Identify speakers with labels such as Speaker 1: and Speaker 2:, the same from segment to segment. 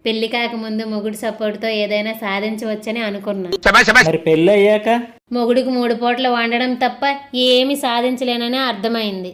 Speaker 1: పెళ్లి కాకముందు మొగుడు సపోర్ట్ తో ఏదైనా సాధించవచ్చని అనుకున్నా.
Speaker 2: మరి పెళ్ళి అయ్యాక
Speaker 1: మొగుడికి 3 పూటలు వండడం తప్ప ఏమి సాధించలేనని అర్థమైంది.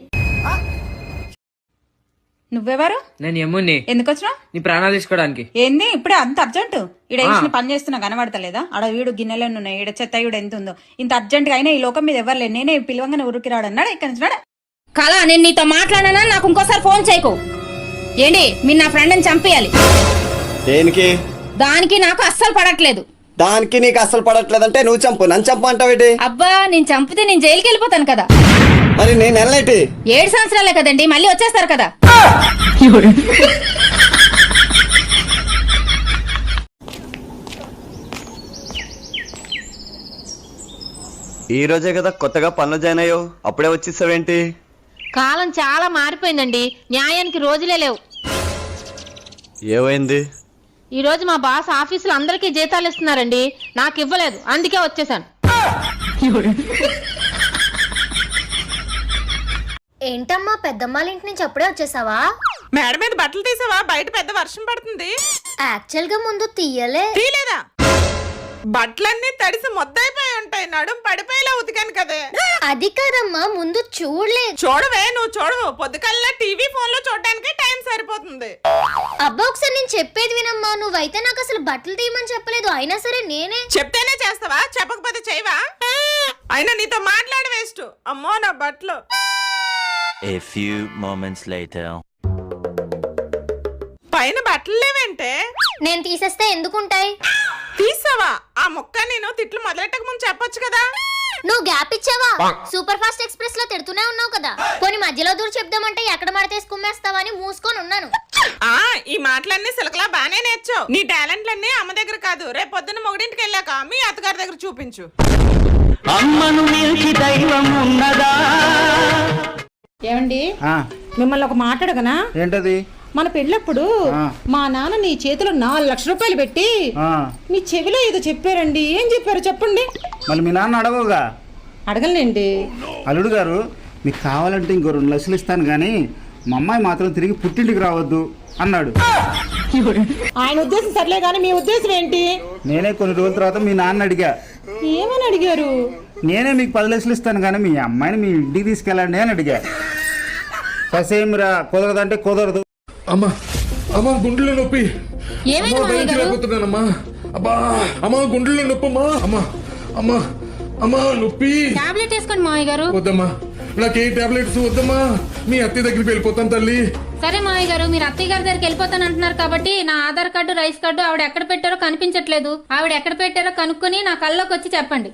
Speaker 3: నువ్వెవరు?
Speaker 4: నేను యముని.
Speaker 3: ఎందుకు వచ్చినావు?
Speaker 4: నీ ప్రాణాలు తీసుకోవడానికి.
Speaker 3: ఏంది ఇప్పుడే అంత అర్జెంట్? ఈడ వేసిన పని చేస్తున్నా కనబడతలేదా? ఆడ వీడు గిన్నెలను ఉన్నాయి, ఈడ చెత్త ఈడు ఎంత ఉందో. ఇంత అర్జెంట్ గా అయినా ఈ లోకం మీద ఎవరు లేదు. నేనే పిలవంగానే ఉరికి రాడన్నాడు. ఇక్కడ నుంచి రాడా?
Speaker 5: కళ, నేను నీతో మాట్లాడానా? నాకు ఇంకోసారి ఫోన్ చేయకు. ఏంటి మీరు నా ఫ్రెండ్ని చంపేయాలి?
Speaker 6: దేనికి?
Speaker 5: దానికి నాకు అస్సలు పడట్లేదు.
Speaker 6: దానికి నీకు అసలు పడట్లేదంటే నువ్వు చంపు, నన్ను చంపు అంటావేటి?
Speaker 5: అబ్బా, నేను చంపితే నేను జైలుకి వెళ్ళిపోతాను కదా.
Speaker 6: మరి నేను వెళ్ళేటి
Speaker 5: 7 సంవత్సరాలే కదండి, మళ్ళీ వచ్చేస్తారు కదా.
Speaker 6: ఈ రోజే కదా కొత్తగా పనులు జాయిన్ అయ్యావు, అప్పుడే వచ్చేసావేంటి?
Speaker 1: కాలం చాలా మారిపోయిందండి, న్యాయానికి రోజులే లేవు.
Speaker 6: ఏమైంది?
Speaker 1: ఈ రోజు మా బాస్ ఆఫీసులో అందరికీ జీతాలు ఇస్తున్నారండి, నాకు ఇవ్వలేదు, అందుకే వచ్చేసాను.
Speaker 7: ఏంటమ్మా పెద్దమ్మాళ్ళ ఇంటి నుంచి అప్పుడే వచ్చేసావా?
Speaker 3: మేడ మీద బట్టలు తీసావా? బయట పెద్ద వర్షం పడుతుంది.
Speaker 7: యాక్చువల్ గా ముందు తీయలే.
Speaker 3: తీలేదా? బట్టలన్నీ తడిసి మొద్దైపోయి ఉంటాయి, నడుం పడిపోయేలా ఉతికాను కదే.
Speaker 7: అది కాదమ్మా, ముందు చూడలేదు.
Speaker 3: చూడవే, నువ్వు చూడవు. పొద్దుకల్లా టీవీ ఫోన్ లో చూడడానికి టైం సరిపోతుంది.
Speaker 7: అబ్బా ఒకసారి నేను చెప్పేది వినమ్మా, నువ్వైతే నాకు అసలు బట్టలు తీయమని చెప్పలేదు. అయినా సరే నేనే
Speaker 3: చెప్తేనే చేస్తావా? చెప్పకపోతే చేయవా? అయినా నీతో మాట్లాడ వేస్ట్. అమ్మో నా బట్టలు.
Speaker 8: A few moments later.
Speaker 3: పైన బట్టలు లేవంటే
Speaker 7: నేను తీసేస్తే ఎందుకుంటాయి?
Speaker 3: తీసావా? ఆ మొక్క నేను తిట్లు మొదలెట్టక ముందు చెప్పొచ్చు కదా.
Speaker 7: నువ్వు గ్యాప్ ఇచ్చావా? సూపర్ ఫాస్ట్ ఎక్స్ప్రెస్ లో తిడుతూనే ఉన్నావు కదా. కొన్ని మధ్యలో దూరం చెప్దామంటే ఎక్కడ మడతేసి కుమ్మేస్తావని మూసుకొని ఉన్నాను.
Speaker 3: ఈ మాటలన్నీ సిలకలా బానే నేర్చావు. నీ టాలెంట్లన్నీ అమ్మ దగ్గర కాదు, రేపు పొద్దున్న మొగుడింటికి వెళ్ళాక మీ అత్తగారి దగ్గర చూపించు.
Speaker 2: అమ్మను మించి దైవం ఉన్నదా?
Speaker 9: ఏమండి, మిమ్మల్ని ఒక మాట్లాడగనా?
Speaker 2: ఏంటది?
Speaker 9: మన పెళ్ళప్పుడు మా నాన్న నీ చేతిలో 4 లక్షల రూపాయలు పెట్టి మీ చెవిలో ఏదో చెప్పారండి. ఏం చెప్పారు చెప్పండి.
Speaker 2: మళ్ళీ మీ నాన్న అడగవుగా?
Speaker 9: అడగలేండి.
Speaker 2: అల్లుడు గారు, మీకు కావాలంటే ఇంకో 2 లక్షలు ఇస్తాను కానీ మా అమ్మాయి మాత్రం తిరిగి పుట్టింటికి రావద్దు అన్నాడు.
Speaker 9: ఆయన ఉద్దేశం సర్లే కానీ మీ ఉద్దేశం ఏంటి?
Speaker 2: నేనే కొన్ని రోజుల తర్వాత మీ నాన్న అడిగా.
Speaker 9: ఏమని అడిగారు?
Speaker 2: నేనే మీకు 10 లక్షలు ఇస్తాను కానీ మీ అమ్మాయిని మీ ఇంటికి తీసుకెళ్ళండి అని అడిగా. ససేమిరా, కుదరదంటే కుదరదు.
Speaker 10: అమ్మా అమ్మా గుండెలో నొప్పి. అమ్మా అబ్బా అమ్మా గుండెలో నొప్పి అమ్మా. అమ్మా అమ్మా అమ్మా నొప్పి.
Speaker 1: టాబ్లెట్ వేసుకోండి మావయ్య గారు.
Speaker 10: వద్దమ్మా, నాకే టాబ్లెట్స్ వద్దమ్మా. మీ అత్తయ్య దగ్గరికి వెళ్ళిపోతాను తల్లి.
Speaker 1: సరే మావయ్య గారు, మీరు అత్తయ్య గారి దగ్గరికి వెళ్ళిపోతాను అంటున్నారు కాబట్టి నా ఆధార్ కార్డు, రైస్ కార్డు ఆవిడ ఎక్కడ పెట్టారో కనిపించట్లేదు. ఆవిడ ఎక్కడ పెట్టారో కనుక్కొని నా కల్లోకి వచ్చి చెప్పండి.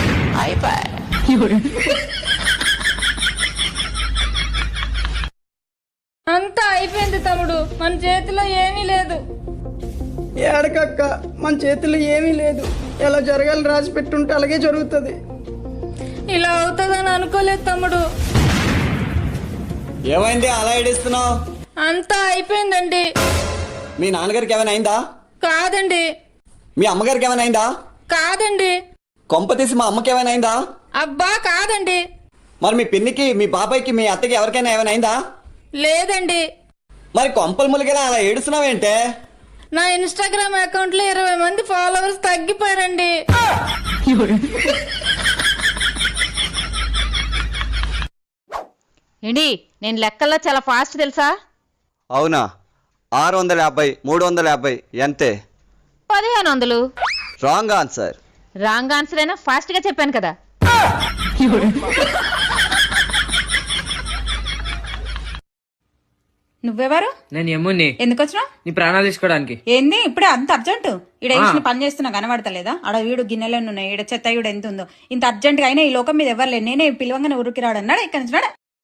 Speaker 5: అంతా అయిపోయింది తమ్ముడు, మన చేతిలో ఏమీ లేదు.
Speaker 4: ఏడకక్క, మన చేతిలో ఏమీ లేదు. ఎలా జరగాలి రాసి పెట్టుంటే అలాగే జరుగుతుంది.
Speaker 5: ఇలా అవుతుందని అనుకోలేదు తమ్ముడు.
Speaker 6: ఏమైంది అలా ఏడుస్తున్నావు?
Speaker 5: అంతా అయిపోయిందండి.
Speaker 6: మీ నాన్నగారికి ఏమైనా అయిందా?
Speaker 5: కాదండి.
Speaker 6: మీ అమ్మగారికి ఏమైనా అయిందా?
Speaker 5: కాదండి.
Speaker 6: కొంప తీసి మా అమ్మకి ఏమైనా అయిందా?
Speaker 5: అబ్బా కాదండి.
Speaker 6: మరి మీ పిన్నికి, మీ బాబాయ్కి, మీ అత్తకి ఎవరికైనా ఏమైనా అయిందా?
Speaker 5: లేదండి.
Speaker 6: మరి కొంపలు ములిగేలా అలా ఏడుస్తున్నావేంటే?
Speaker 5: నా ఇన్స్టాగ్రామ్ అకౌంట్ లో 20 మంది ఫాలోవర్స్ తగ్గిపోయారండి.
Speaker 1: ఏంటి, నేను లెక్కల్లో చాలా ఫాస్ట్ తెలుసా?
Speaker 6: అవునా? 650, 350 ఎంతే?
Speaker 1: 1500.
Speaker 6: Wrong answer.
Speaker 1: రాంగ్ ఆన్సర్ అయినా ఫాస్ట్ గా చెప్పాను కదా.
Speaker 3: నువ్వెవరు?
Speaker 4: నేను యముని.
Speaker 3: ఎందుకు వచ్చినావు?
Speaker 4: నీ ప్రాణాలు తీసుకోవడానికి.
Speaker 3: ఏంది ఇప్పుడే అంత అర్జెంట్? ఈడ వేసిన పని చేస్తున్నా కనబడతలేదా? ఆడ వీడు గిన్నెలను ఉన్నాయి, ఈడ చెత్త ఈడు ఎంత ఉందో. ఇంత అర్జెంట్ గా అయినా ఈ లోకం మీద ఎవరు లేదు. నేనే పిలవంగానే ఉరికి రాడన్నాడు. ఇక్కడ నుంచి రాడా?